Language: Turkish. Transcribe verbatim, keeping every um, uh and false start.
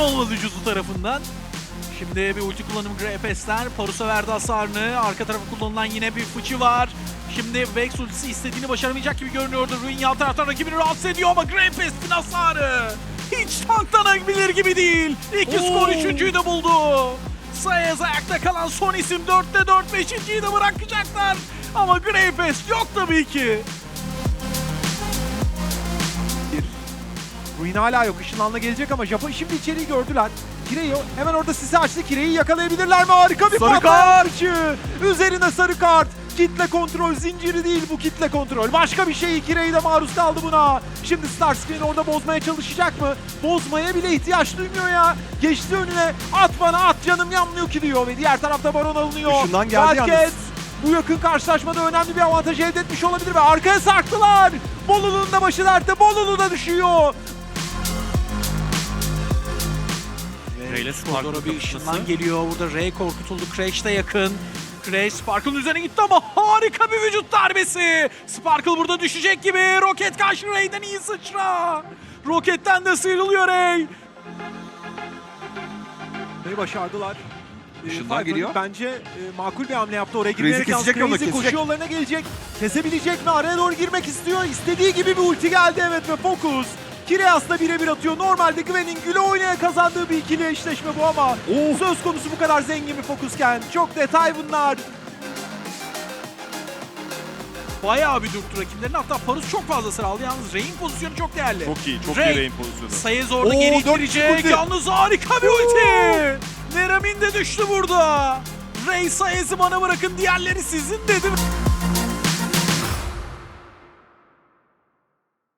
olmadı Jutsu tarafından. Şimdi bir ulti kullanımı Greypest'ler. Parus'a verdi hasarını. Arka tarafa kullanılan yine bir fıçı var. Şimdi Vex ultisi istediğini başaramayacak gibi görünüyordu. Ruin yan taraftan rakibini rahatsız ediyor ama Greypest'in hasarı hiç tanklanabilir gibi değil. İki skor üçüncüyü de buldu. Sayez ayakta kalan son isim. dörtte dört, beşinciyi de bırakacaklar. Ama Greypest yok tabii ki. Ruin hala yok. Işınlanla gelecek ama Japon şimdi içeriği gördüler. Kireyi hemen orada sizi açtı. Kireyi yakalayabilirler mi? Harika bir Sarı kart. Üzerine sarı kart. Kitle kontrol zinciri değil bu, kitle kontrol. Başka bir şey. Kireyi de maruz kaldı buna. Şimdi Starscreen orada bozmaya çalışacak mı? Bozmaya bile ihtiyaç duymuyor ya. Geçti önüne. At bana at canım yanmıyor ki diyor ve diğer tarafta Baron alınıyor. Işından geldi Wildcat yalnız. bu yakın karşılaşmada önemli bir avantaj elde etmiş olabilir ve arkaya sarktılar. Bolulu'nun da başı dertte. Bolulu da düşüyor. Ray'le Sparkle'a bir ışından geliyor. Burada Ray korkutuldu. Crash de yakın. Crash Sparkle'ın üzerine gitti ama harika bir vücut darbesi. Sparkle burada düşecek gibi. Roket karşı Ray'den iyi sıçra. Roketten de sıyrılıyor Ray. Ve başardılar. Işından Falcon geliyor. Bence e, makul bir hamle yaptı. Oraya Crazy girmeyerek yalnız kesecek yolda, Crazy koşu kesecek. yollarına gelecek. Kesebilecek mi? Araya doğru girmek istiyor. İstediği gibi bir ulti geldi evet ve Focus. Kireas'la birebir atıyor. Normalde Gwen'in güle oynaya kazandığı bir ikili eşleşme bu ama söz konusu bu kadar zengin bir Focus'ken. Çok detay bunlar. Bayağı bir dürttü rakiplerini. Hatta Parus çok fazla sıra aldı. Yalnız Ray'in pozisyonu çok değerli. Çok iyi, çok Ray, iyi Ray'in pozisyonu. Sayez orada Oo, geri dört ittirecek. ulti. Yalnız harika bir ulti. Neramin de düştü burada. Ray Sayez'i bana bırakın, diğerleri sizin dedi.